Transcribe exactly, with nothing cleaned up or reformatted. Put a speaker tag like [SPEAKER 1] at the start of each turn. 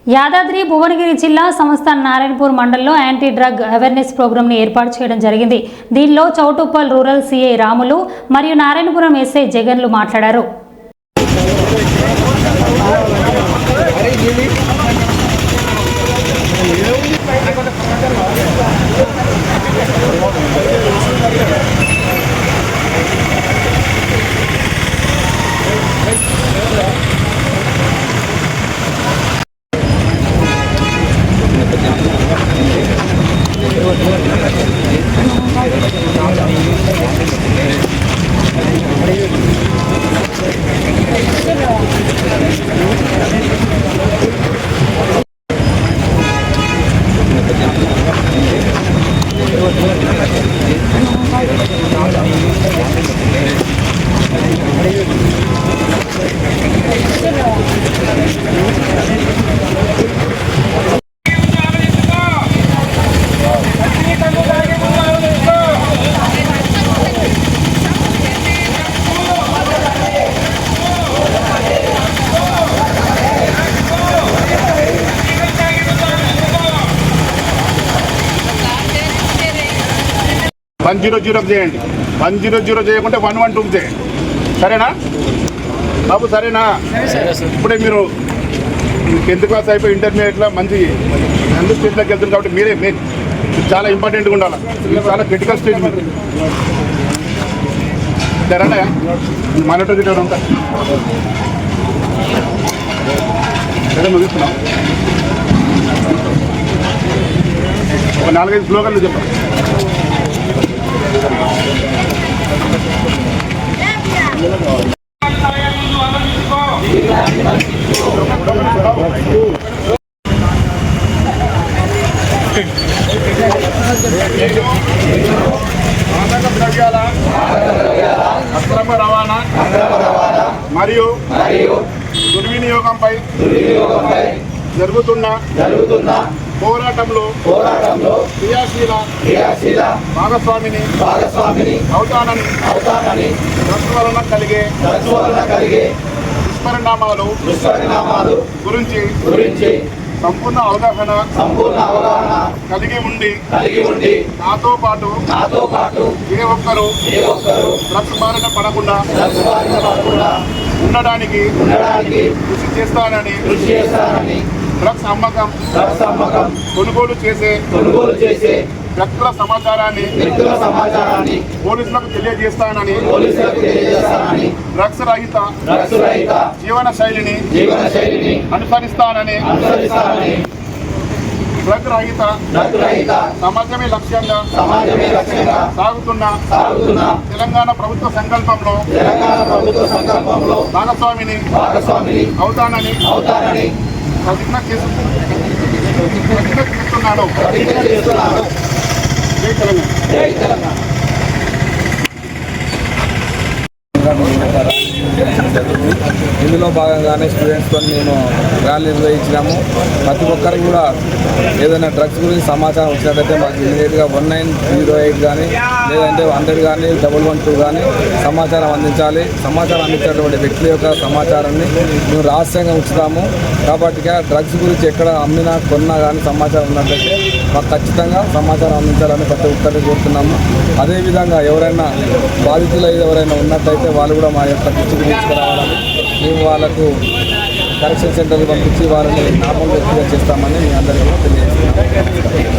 [SPEAKER 1] యాదాద్రి భువనగిరి జిల్లా సంస్థ నారాయణపూర్ మండలంలో యాంటీ డ్రగ్ అవేర్నెస్ ప్రోగ్రామ్ ని ఏర్పాటు చేయడం జరిగింది. దీనిలో చౌటుప్పల్ రూరల్ సిఐ రాములు మరియు నారాయణపురం ఎస్ఐ జగన్లు మాట్లాడారు.
[SPEAKER 2] వన్ జీరో జీరో చేయండి. వన్ జీరో జీరో చేయకుంటే వన్ వన్ టూకి చేయండి. సరేనా బాబు? సరేనా? ఇప్పుడే మీరు టెన్త్ క్లాస్ అయిపోయి ఇంటర్మీడియట్లో మంచి అందరూ స్టేజ్లోకి వెళ్తుంది కాబట్టి మీరే మీరు చాలా ఇంపార్టెంట్గా ఉండాలి. ఇది చాలా క్రిటికల్ స్టేజ్ మీరు. సరేనా? మానిటర్ గిటర్ ఉంటా సరే ముగిస్తున్నాం. ఒక నాలుగైదు స్లోగన్లు చెప్పండి. ద్రవ్యాల అక్రమ రవాణా మరియు దుర్వినియోగంపై జరుగుతున్న జరుగుతున్న పోరాటంలో పోరాటంలో క్రియాశీల క్రియాశీల భాగస్వామిని భాగస్వామిని అవుతానని అవుతానని డ్రగ్స్ వలన కలిగే డ్రగ్స్ వలన కలిగే దుష్పరిణామాలు దుష్పరిణామాలు గురించి గురించి సంపూర్ణ అవగాహన సంపూర్ణ అవగాహన కలిగి ఉండి కలిగి ఉండి నాతో పాటు నాతో పాటు ఏ ఒక్కరు ఏ ఒక్కరు డ్రగ్స్ బారిన పడకుండా డ్రగ్స్ బారిన పడకుండా ఉండడానికి ఉండడానికి కృషి చేస్తానని కృషి చేస్తానని డ్రగ్స్ అమ్మకం డ్రగ్స్ అమ్మకం కొనుగోలు చేసే కొనుగోలు చేసే వ్యక్తుల సమాచారాన్ని వ్యక్తుల సమాచారాన్ని పోలీసులకు తెలియజేస్తానని పోలీసులకు తెలియజేస్తానని డ్రగ్స్ రహిత డ్రగ్స్ రహిత జీవన శైలిని జీవన శైలిని అనుసరిస్తానని అనుసరిస్తానని డ్రగ్ రహిత డ్రగ్ రహిత సమాజమే లక్ష్యంగా సమాజమే లక్ష్యంగా సాగుతున్న సాగుతున్న తెలంగాణ ప్రభుత్వ సంకల్పంలో తెలంగాణ ప్రభుత్వ సంకల్పంలో భాగస్వామిని భాగస్వామిని అవుతానని అవుతానని ప్రతిజ్ఞ చేస్తూ ప్రతిజ్ఞ చేస్తున్నాను ప్రతిజ్ఞ చేస్తున్నాను. జై తెలంగాణ. జై తెలంగాణ.
[SPEAKER 3] ఇందులో భాగంగానే స్టూడెంట్స్తో మేము ర్యాలీ నిర్వహించినాము. ప్రతి ఒక్కరికి కూడా ఏదైనా డ్రగ్స్ గురించి సమాచారం వచ్చినట్టయితే మాకు ఇమీడియట్గా వన్ నైన్ జీరో ఎయిట్ కానీ లేదంటే హండ్రెడ్ కానీ డబల్ వన్ టూ కానీ సమాచారం అందించాలి. సమాచారం అందించినటువంటి వ్యక్తుల యొక్క సమాచారాన్ని మేము రహస్యంగా ఉంచుతాము. కాబట్టి డ్రగ్స్ గురించి ఎక్కడ అమ్మినా కొన్నా కానీ సమాచారం ఉన్నట్లయితే మాకు ఖచ్చితంగా సమాచారం అందించాలని ప్రతి ఒక్కరిని కోరుతున్నాము. అదేవిధంగా ఎవరైనా బాధితులు ఎవరైనా ఉన్నట్టయితే వాళ్ళు కూడా మా యొక్క దృష్టికి తీసుకురావాలని మేము వాళ్ళకు కరెక్షన్ సెంటర్కి పంపించి వారిని నార్మల్ వ్యక్తిగా చేస్తామని మీ అందరికీ తెలియజేస్తున్నాం.